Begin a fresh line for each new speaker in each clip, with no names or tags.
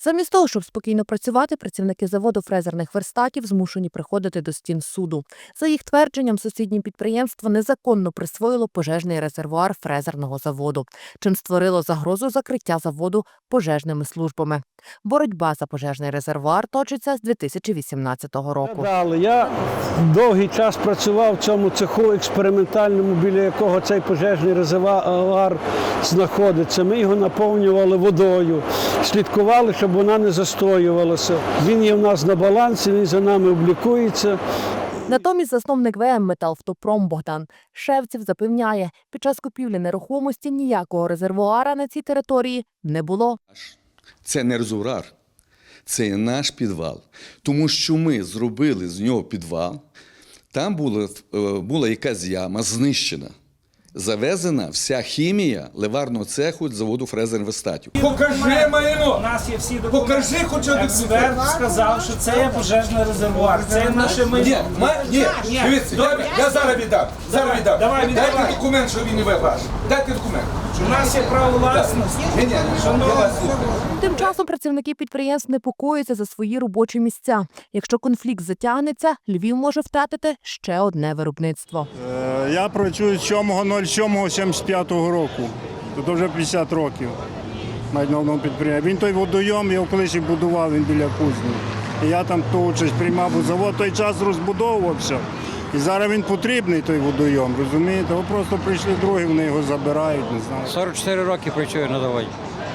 Замість того, щоб спокійно працювати, працівники заводу фрезерних верстатів змушені приходити до стін суду. За їх твердженням, сусіднє підприємство незаконно присвоїло пожежний резервуар фрезерного заводу, чим створило загрозу закриття заводу пожежними службами. Боротьба за пожежний резервуар точиться з 2018 року.
Я довгий час працював в цьому цеху експериментальному, біля якого цей пожежний резервуар знаходиться. Ми його наповнювали водою, слідкували, щоб вона не застоювалася. Він є в нас на балансі, він за нами облікується.
Натомість засновник ВМ «Металвтопром» Богдан Шевців запевняє, під час купівлі нерухомості ніякого резервуара на цій території не було.
Це не резервуар, це наш підвал. Тому що ми зробили з нього підвал, там була якась яма знищена. Завезена вся хімія ливарного цеху заводу фрезерних верстатів.
Покажи майно!
У нас є всі документи.
Покажи хоч один
Експерт сказав, що це є пожежний резервуар. Це наше майно.
Ні, дивіться, я зараз віддам.
Давай, віддавай.
Дайте документ, що він не ваш. Дайте документ.
У нас є право власності.
Ні, я вас слухаю.
Тим часом працівники підприємств непокоїться за свої робочі місця. Якщо конфлікт затягнеться, Львів може втратити ще одне виробництво.
Я працюю з 7.07.75 року. Тут вже 50 років навіть на одному підприємстві. Він той водойом, його колись і будував, він біля кузні. І я там ту участь приймав, бо завод той час розбудовувався. І зараз він потрібний, той водойом, розумієте? Ви просто прийшли другі, вони його забирають, не знаю.
44 роки працюю на заводі.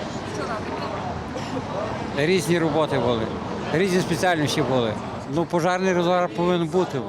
Різні роботи були, різні спеціальності були. Пожежний резервуар повинен бути.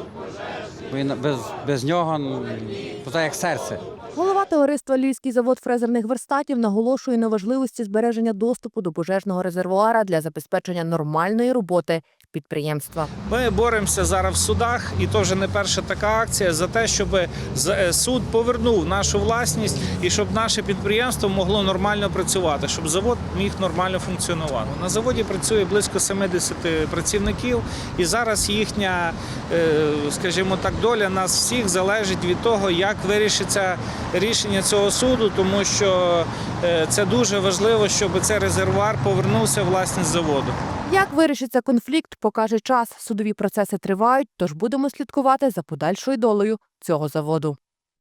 Без нього, так як серце.
Голова товариства «Львівський завод фрезерних верстатів» наголошує на важливості збереження доступу до пожежного резервуара для забезпечення нормальної роботи підприємства.
Ми боремося зараз в судах, і то вже не перша така акція, за те, щоб суд повернув нашу власність і щоб наше підприємство могло нормально працювати, щоб завод міг нормально функціонувати. На заводі працює близько 70 працівників, і зараз їхня, скажімо так, доля нас всіх залежить від того, як вирішиться рішення цього суду, тому що це дуже важливо, щоб цей резервуар повернувся в власність заводу.
Як вирішиться конфлікт, покаже час. Судові процеси тривають, тож будемо слідкувати за подальшою долею цього заводу.